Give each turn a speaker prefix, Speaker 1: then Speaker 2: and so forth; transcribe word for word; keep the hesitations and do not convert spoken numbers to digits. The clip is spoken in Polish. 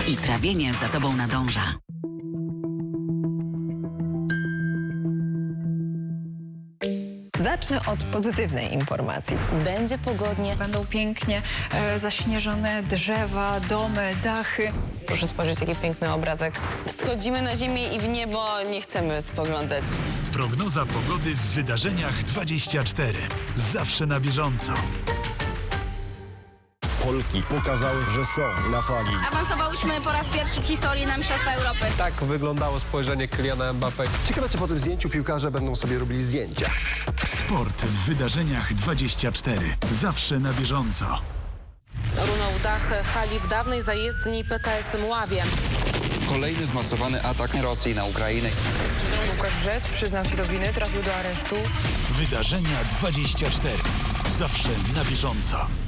Speaker 1: I trawienie za tobą nadąża.
Speaker 2: Zacznę od pozytywnej informacji.
Speaker 3: Będzie pogodnie.
Speaker 4: Będą pięknie e, zaśnieżone drzewa, domy, dachy.
Speaker 2: Proszę spojrzeć, jaki piękny obrazek.
Speaker 3: Schodzimy na ziemię i w niebo nie chcemy spoglądać.
Speaker 5: Prognoza pogody w Wydarzeniach dwadzieścia cztery. Zawsze na bieżąco.
Speaker 6: Polki pokazały, że są na fali.
Speaker 7: Awansowałyśmy po raz pierwszy w historii na Mistrzostwa Europy.
Speaker 8: Tak wyglądało spojrzenie Kyliana Mbappé.
Speaker 6: Ciekawe, czy po tym zdjęciu piłkarze będą sobie robili zdjęcia.
Speaker 5: Sport w Wydarzeniach dwadzieścia cztery. Zawsze na bieżąco.
Speaker 9: Runął dach hali w dawnej zajezdni P K S Mławie.
Speaker 10: Kolejny zmasowany atak Rosji na Ukrainę.
Speaker 11: Łukasz Rzec przyznał się do winy, trafił do aresztu.
Speaker 5: Wydarzenia dwadzieścia cztery. Zawsze na bieżąco.